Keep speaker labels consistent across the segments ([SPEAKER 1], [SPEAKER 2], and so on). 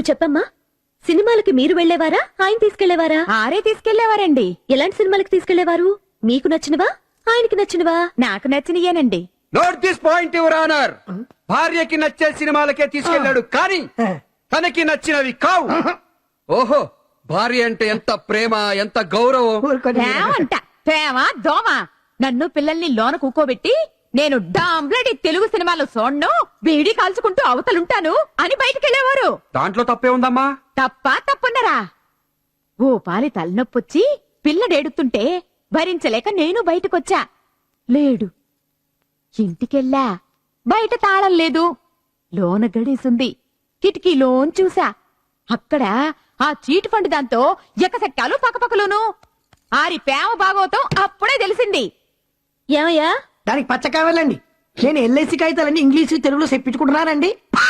[SPEAKER 1] నువ్వు చెప్పమ్మా, సినిమాలకి మీరు వెళ్లేవారా, ఆయన తీసుకెళ్లేవారా?
[SPEAKER 2] ఆరే తీసుకెళ్లేవారండి.
[SPEAKER 1] ఎలాంటి సినిమాలకి తీసుకెళ్లేవారు? మీకు నచ్చినవా, ఆయనకి నచ్చినవా?
[SPEAKER 2] నాకు నచ్చినయేనండి.
[SPEAKER 3] Note this point your honour. భార్యకి నచ్చే సినిమాలకే తీసుకెళ్లాడు, కానీ తనకి నచ్చినవి కావు. ఓహో, భార్య అంటే ఎంత ప్రేమ, ఎంత గౌరవం.
[SPEAKER 2] ప్రేమంట ప్రేమ దోమ. నన్ను పిల్లల్ని లోన కూకోబెట్టి నేను డాంబ్లడి తెలుగు సినిమాలు చూడను, బీడీ కాల్చుకుంటూ అవతలుంటాను అని బయటికెళ్లేవారు.
[SPEAKER 3] దాంట్లో తప్పే ఉందమ్మా?
[SPEAKER 2] తప్పున్నరా? ఓ పాలి తలనొప్పొచ్చి పిల్లడేడుతుంటే భరించలేక నేను బయటకొచ్చా. లేడు. ఇంటికెళ్ళా. బయట తాళం లేదు. లోన గడేసుంది. కిటికీలోన్ చూసా. అక్కడ ఆ చీట్ ఫండ్ దాంతో ఎకసెక్కాలు పక్కపక్కలోను. ఆరి ప్రేమ భాగవతం అప్పుడే తెలిసింది.
[SPEAKER 1] ఏమయ్యా?
[SPEAKER 4] దానికి పచ్చ కావాలండి. నేను ఎల్ఐసి కాగితాలన్నీ ఇంగ్లీషు తెలుగులో చెప్పించుకుంటున్నానండి.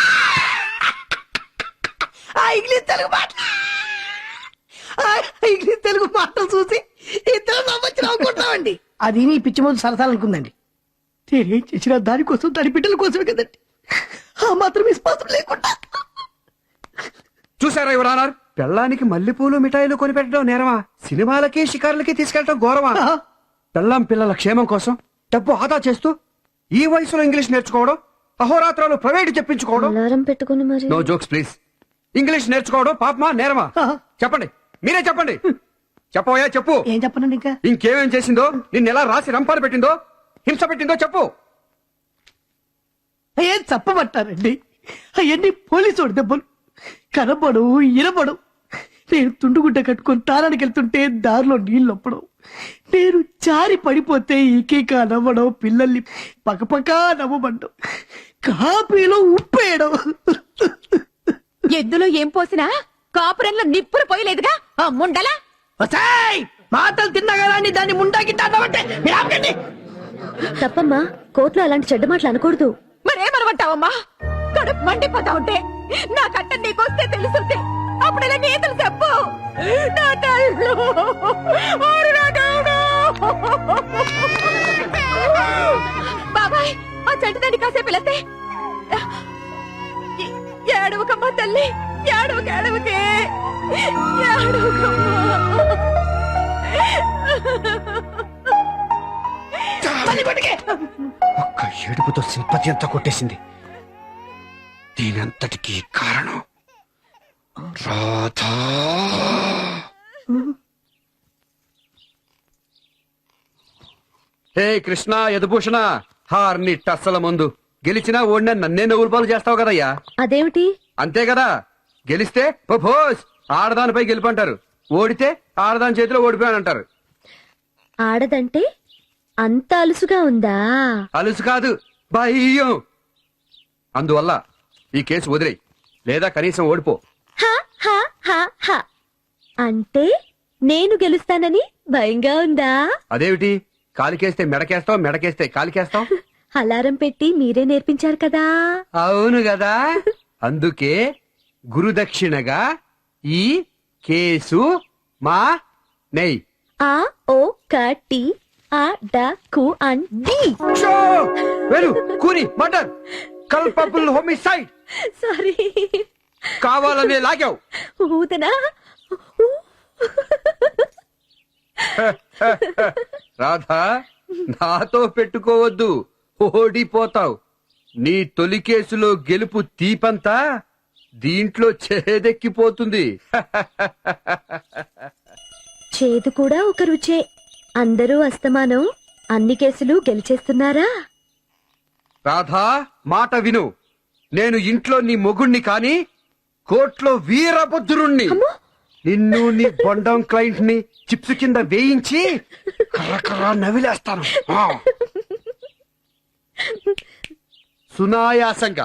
[SPEAKER 4] ఇంగ్లీష్ తెలుగు మాటలు చూసి ఇద్దరు నవ్వుకుంటామండి. అది నీ పిచ్చి ముందు సరసాలనుకుందండి. నేనేం చేసినా దానికోసం, దాని బిడ్డల కోసమే కదండి. ఆ మాత్రం విశ్వాసం లేకుండా.
[SPEAKER 3] చూసారా యువర్ ఆనర్, పెళ్ళానికి మల్లెపూలు మిఠాయిలు కొనిపెట్టడం నేరమా, సినిమాలకి షికారులకి తీసుకెళ్లడం గౌరవమా? పెళ్ళాం పిల్లల క్షేమం కోసం డబ్బు ఆదా చేస్తూ ఈ వయసులో ఇంగ్లీష్ నేర్చుకోవడం, అహోరాత్రాలు ప్రైవేట్ చెప్పించుకోవడం.
[SPEAKER 1] అలారం పెట్టుకుని మరి.
[SPEAKER 3] No jokes please. ఇంగ్లీష్ నేర్చుకోవడం పాపమా నేరమా? చెప్పండి, మీరే చెప్పండి. చెప్పవయ్యా, చెప్పు.
[SPEAKER 4] ఏం చెప్పనండి ఇంకా?
[SPEAKER 3] ఇంకేమేం చేసిందో, నిన్ను ఎలా రాసి రంపాలు పెట్టిందో, హింస పెట్టిందో చెప్పు.
[SPEAKER 4] ఏం చెప్పమంటారండి? అవన్నీ పోలీసు దెబ్బలు. కనబడు, ఇనబడు. నేను తుండుగుడ్డ కట్టుకుని తారానికి వెళ్తుంటే దారిలో నీళ్ళొప్పడం, నేను జారి పడిపోతే ఈకేక నవ్వడం, పిల్లల్ని పక్కపక్క నవ్వమండం, కాపీలో ఉప్పేయడం.
[SPEAKER 2] ఎద్దులో ఏం పోసినా కాపురంలో నిప్పులు పోయలేదుగా ఆ ముండలా.
[SPEAKER 4] మాటలు తిన్నగాని దాన్ని ముండాకిట్టామంటే
[SPEAKER 1] తప్పమ్మా, కోర్టులో అలాంటి చెడ్డ మాటలు అనకూడదు.
[SPEAKER 2] మరేమనమంటావమ్మా? కడుపు మండిపోతా ఉంటే నా కట్ట నీకొస్తే తెలుసుంటే అప్పుడెలా నేతలు చెప్పు. నా తల్లు, ఓరి నా దేవుడు. బాబాయ్, ఆ చెట్టుదాన్ని కాసేపు వెళతే. ఏడవకమ్మా తల్లి, ఏడవకే, ఏడవకమ్మా.
[SPEAKER 3] ఒక్క ఏడుపుతో సింపతి అంతా కొట్టేసింది. దీనంతటికీ కారణం రాధా. హే కృష్ణ యదుభూషణ, హార్ని టస్సల ముందు గెలిచినా ఓడినా నన్నే నవ్వులు పాలు చేస్తావు కదయ్యా.
[SPEAKER 1] అదేమిటి?
[SPEAKER 3] అంతే కదా, గెలిస్తే భోస్ ఆడదానిపై గెలుపంటారు, ఓడితే ఆడదాని చేతిలో ఓడిపోయానంటారు.
[SPEAKER 1] ఆడదంటే అంత అలుసుగా ఉందా?
[SPEAKER 3] అలుసు కాదు, భయం. అందువల్ల ఈ కేసు వదిలేయి, లేదా కనీసం ఓడిపో.
[SPEAKER 1] హా, హా, హా, హా. అంటే నేను గెలుస్తానని భయంగా ఉందా?
[SPEAKER 3] అదేమిటి, కాలికేస్తే మెడకేస్తావు, మెడకేస్తే కాలికేస్తావు.
[SPEAKER 1] అలారం పెట్టి మీరే నేర్పించారు కదా.
[SPEAKER 3] అవును కదా, అందుకే గురుదక్షిణగా ఈ కేసు మా నెయ్.
[SPEAKER 1] ఆ ఓ కటి ఆ డ కు అన్ డి.
[SPEAKER 3] వెరు కూని మర్డర్, కల్పబుల్ హోమిసైడ్.
[SPEAKER 1] సారీ,
[SPEAKER 3] కావాలనే లాగావు.
[SPEAKER 1] ఊదనా?
[SPEAKER 3] రాధా, నాతో పెట్టుకోవద్దు, ఓడిపోతావు. నీ తొలి కేసులో గెలుపు తీపంతా దీంట్లో చేదెక్కిపోతుంది.
[SPEAKER 1] చేదు కూడా ఒక రుచే. అందరూ అస్తమానం అన్ని కేసులు గెలిచేస్తున్నారా?
[SPEAKER 3] రాధా, మాట విను. నేను ఇంట్లో నీ మొగుణ్ణి కాని కోర్టులో వీరభద్రుణ్ణి. నిన్ను నీ బొండం క్లయింట్ ని చిప్స్ కింద వేయించి కర్రకర్ర నవిలేస్తాను. సునాయాసంగా.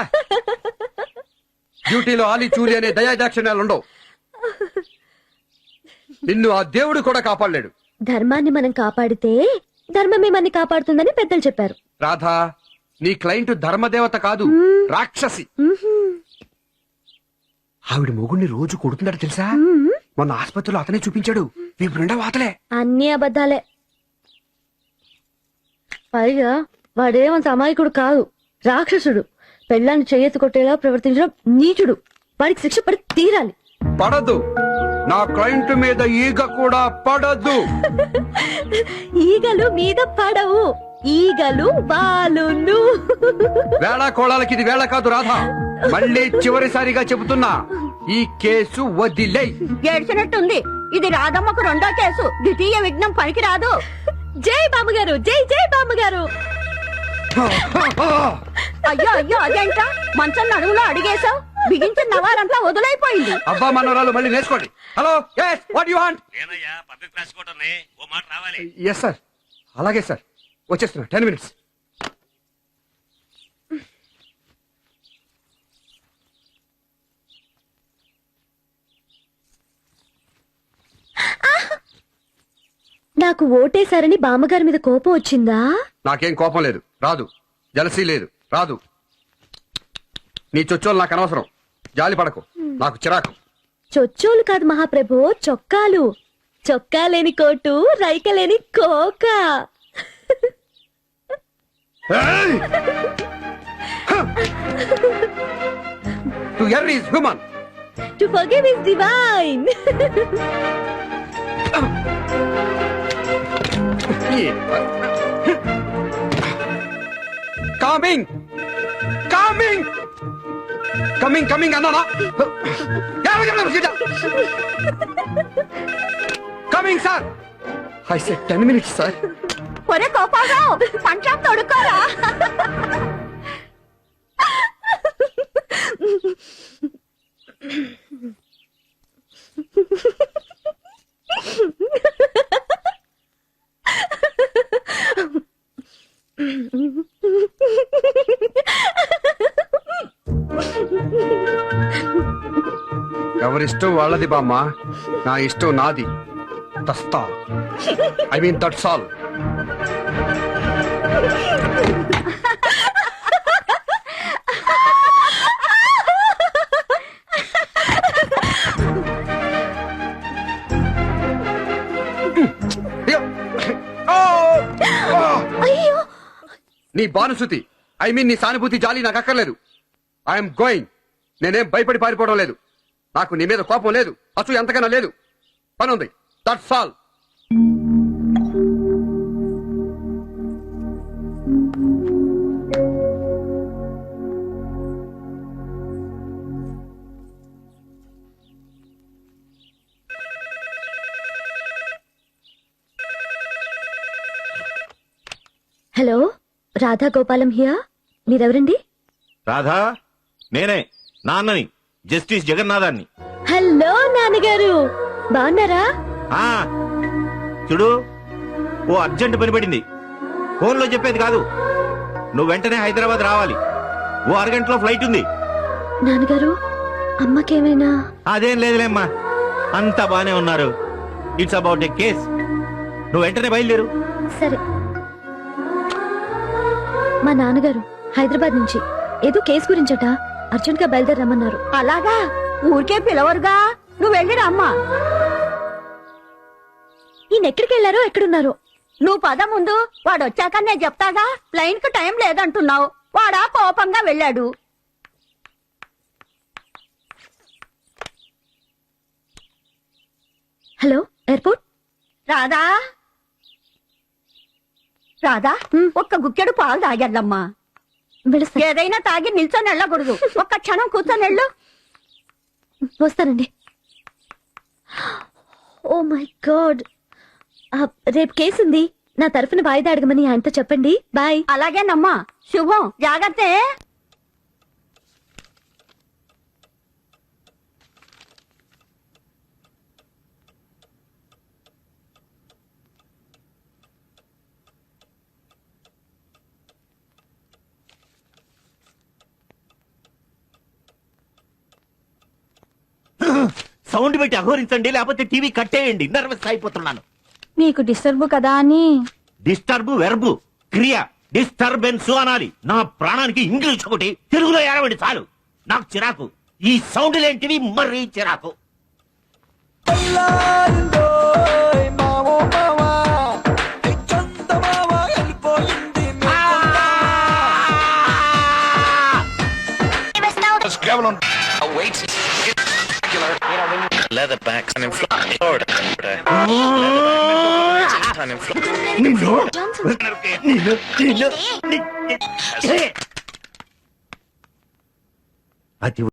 [SPEAKER 3] డ్యూటీలో ఆలి చూలి అనే దయాదాక్షిణ్యాలుండవు. నిన్ను ఆ దేవుడు కూడా కాపాడలేడు.
[SPEAKER 1] ధర్మాన్ని మనం కాపాడితే ధర్మమే మనని కాపాడుతుందని పెద్దలు చెప్పారు.
[SPEAKER 3] రాధా, నీ క్లయింట్ ధర్మదేవత కాదు, రాక్షసి. ఆవిడ మొగుడిని రోజు కొడుతుందట తెలుసా? మొన్న ఆసుపత్రిలో అతనే చూపించాడు. వీపు నిండా వాతలే.
[SPEAKER 1] అన్ని అబద్ధాలే. పైగా వాడేమంత అమాయకుడు కాదు, రాక్షసుడు. పెళ్ళాన్ని చెయ్యెత్తి కొట్టేలా ప్రవర్తించడం నీచుడు. వాడికి శిక్ష పడి తీరాలి.
[SPEAKER 3] పడదు. నా క్లయింట్ మీద ఈగ కూడా పడదు.
[SPEAKER 1] ఈగలు మీద పడవు, ఈగలు బాలును.
[SPEAKER 3] వేళ కోళాలకి ఇది వేళ కాదు రాధా. మళ్ళీ చివరిసారిగా చెబుతున్నా, ఈ కేసు వదిలేయ్.
[SPEAKER 2] ఏడ్చినట్టుంది. ఇది రాధమ్మకు రెండో కేసు. ద్వితీయ విఘ్నం పనికి రాదు.
[SPEAKER 1] జై బామ్మగారు, జై జై బామ్మగారు.
[SPEAKER 2] అయ్యో అయ్యో అదేంటా మంచం నడువులో అడిగేశావు. బిగించిన నవారంతా వదులైపోయింది.
[SPEAKER 3] అబ్బా మనోరాలు మళ్ళీ నేర్చుకోండి. Hello, yes, what you want?
[SPEAKER 5] ఏనయ్యా పద్ధతి రాసుకోవటం ఓ మాట రావాలి.
[SPEAKER 3] ఎస్ సార్, అలాగే సార్, వచ్చేస్తున్నా. 10 minutes.
[SPEAKER 1] నాకు ఓటేశారని బామ్మగారి మీద కోపం వచ్చిందా?
[SPEAKER 3] నాకేం కోపం లేదు, రాదు. జలసీ లేదు, రాదు. నీ చొచ్చోలు నాకు అనవసరం. జాలి పడకు, నాకు చిరాకు.
[SPEAKER 1] చొచ్చోలు కాదు మహాప్రభు, చొక్కాలు. చొక్కా లేని కోటు, రైక లేని కోక.
[SPEAKER 3] To err is human,
[SPEAKER 1] to forgive is divine.
[SPEAKER 3] Coming coming coming coming అన్నానా? Coming sir. I said 10 minutes sir.
[SPEAKER 2] ఒరే కోపారావు, పంచం తొడుక్కోరా.
[SPEAKER 3] ఎవరిష్టం వాళ్ళది బామ్మ, నా ఇష్టం నాది. తస్తా, ఐ మీన్ దట్స్ ఆల్.
[SPEAKER 1] అయ్యో,
[SPEAKER 3] నీ బానుసుతి, ఐ మీన్ నీ సానుభూతి జాలి నాకు అక్కర్లేదు. I'm going. నేనేం భయపడి పారిపోవడం లేదు. నాకు నీ మీద కోపం లేదు, అసలు ఎంతకన్నా లేదు. పని ఉంది, that's all.
[SPEAKER 1] Hello, Radha Gopalam here. మీరెవరండి?
[SPEAKER 5] రాధా, నేనే నాన్నని, జస్టిస్ జగన్నాథాన్ని.
[SPEAKER 1] హలో నాన్నగారు, బాగున్నారా?
[SPEAKER 5] ఆ చూడు, ఓ అర్జెంట్ పని పడింది. ఫోన్లో చెప్పేది కాదు. నువ్వు వెంటనే హైదరాబాద్ రావాలి. ఓ అరగంటలో ఫ్లైట్ ఉంది.
[SPEAKER 1] నాన్నగారు, అమ్మకేమైనా?
[SPEAKER 5] అదేం లేదులేమ్మా, అంతా బానే ఉన్నారు. It's about a case. నువ్వు వెంటనే బయలుదేరు.
[SPEAKER 1] సరే. మా నాన్నగారు హైదరాబాద్ నుంచి ఏదో కేసు గురించట అర్జెంట్ గా బయలుదేరమ్మన్నారు.
[SPEAKER 2] అలాగా, ఊరికే పిలవరుగా. నువ్వు వెళ్ళిరా అమ్మా.
[SPEAKER 1] ఈయన ఎక్కడికి వెళ్ళారో ఎక్కడున్నారో.
[SPEAKER 2] నువ్వు పద ముందు. వాడు వచ్చాక నేను చెప్తాగా. ప్లైన్ కు టైం లేదంటున్నావు. వాడా కోపంగా వెళ్ళాడు.
[SPEAKER 1] Hello, airport.
[SPEAKER 2] రాధా, రాధా, ఒక్క గుక్కెడు పాలు తాగెళ్ళమ్మా.
[SPEAKER 1] వెళ్ళొస్తా.
[SPEAKER 2] ఏదైనా తాగి నిల్చొని వెళ్ళకూడదు. ఒక్క క్షణం కూర్చొని వెళ్ళు.
[SPEAKER 1] వస్తానండి. ఓ మై గాడ్, రేపు కేసు ఉంది. నా తరఫున వాయిదా అడగమని ఆయనతో చెప్పండి. బాయ్.
[SPEAKER 2] అలాగేనమ్మా. శుభం. జాగ్రత్త.
[SPEAKER 5] సౌండ్ పెట్టి అఘోరించండి, లేకపోతే టీవీ కట్టేయండి. నర్వస్ అయిపోతున్నాను.
[SPEAKER 2] నీకు డిస్టర్బ్ కదా అని.
[SPEAKER 5] డిస్టర్బ్ వెర్బు, క్రియ. డిస్టర్బెన్స్ అనాలి. నా ప్రాణానికి ఇంగ్లీష్ ఒకటి, తెలుగులో ఏడవండి చాలు. నాకు చిరాకు. ఈ సౌండ్ లేంటివి మరీ చిరాకు.
[SPEAKER 6] కేవలం wait Leatherbacks and in Florida. And in
[SPEAKER 5] అతి